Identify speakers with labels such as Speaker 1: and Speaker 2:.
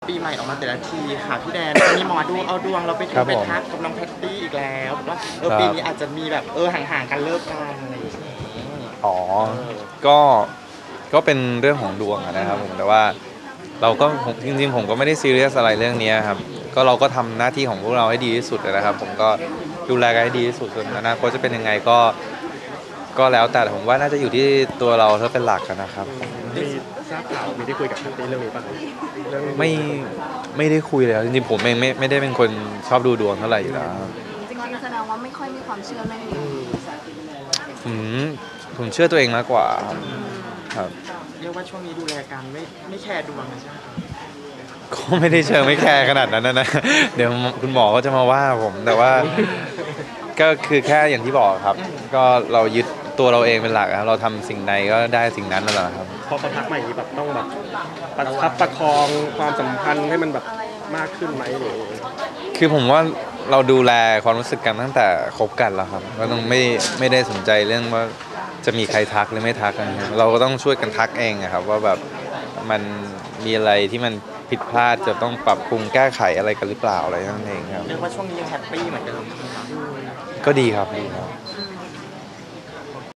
Speaker 1: ปีใหม่ออกมาแต่ละทีค่ะพี่แดนมีหมอดูเอาดวงเราไป
Speaker 2: ครับ
Speaker 1: ไป
Speaker 2: ผม
Speaker 1: ทักกับน้องแพตตี้อีกแล้วว่า
Speaker 2: ครับ
Speaker 1: ปีนี้อาจจะมีแบบห่างๆกันเลิกกันอะไรอย่างเงี้ย
Speaker 2: อ๋อ
Speaker 1: เออ
Speaker 2: ก็ก็เป็นเรื่องของดวงอะนะครับผมแต่ว่าเราก็จริงๆผมก็ไม่ได้ซีเรียสอะไรเรื่องนี้ครับก็เราก็ทำหน้าที่ของพวกเราให้ดีที่สุดนะครับผมก็ดูแลกันให้ดีที่สุดส่วนอนาคตจะเป็นยังไงก็แล้วแต่ผมว่าน่าจะอยู่ที่ตัวเราถ้าเป็นหลักกันนะครับ
Speaker 3: มีทราบข่าวมีได้คุยกับแพตตี้เรื่องนี้ป่ะครับเรื่อง
Speaker 2: ไม่ไม่ได้คุยเลยครับจริงๆผมเองไม่ได้เป็นคนชอบดูดวงเท่าไหร่อยู่แล้วครับ
Speaker 4: จริงๆแสดงว่าไม่ค่อยมีความเชื่อเรื่องนี้
Speaker 2: ผมผมเชื่อตัวเองมากกว่าครับ
Speaker 1: เรียกว่าช่วงนี้ดูแลกันไม่แคร์ดวงนะใช่ไหมคะ
Speaker 2: ก็ไม่ได้เชิงไม่แคร์ขนาดนั้นนะเดี๋ยวคุณหมอก็จะมาว่าผมแต่ว่าก็คือแค่อย่างที่บอกครับก็เรายึดตัวเราเองเป็นหลักครับเราทำสิ่งใดก็ได้สิ่งนั้นนั่นแหละครับ
Speaker 3: พอเขาทักมาอย่างนี้แบบต้องแบบประคับประคองความสัมพันธ์ให้มันแบบมากขึ้นไหมหรือ
Speaker 2: คือผมว่าเราดูแลความรู้สึกกันตั้งแต่คบกันแล้วครับก็ต้องไม่ได้สนใจเรื่องว่าจะมีใครทักหรือไม่ทักนะครับเราก็ต้องช่วยกันทักเองอะครับว่าแบบมันมีอะไรที่มันผิดพลาดจะต้องปรับปรุงแก้ไขอะไรกันหรือเปล่าอะไรนั่นเองครับ
Speaker 1: เรียกว่าช่วงนี้ยังแฮปปี้เหมือนเดิมใช่ไหมคะ
Speaker 2: ก็ดีครับดีครับ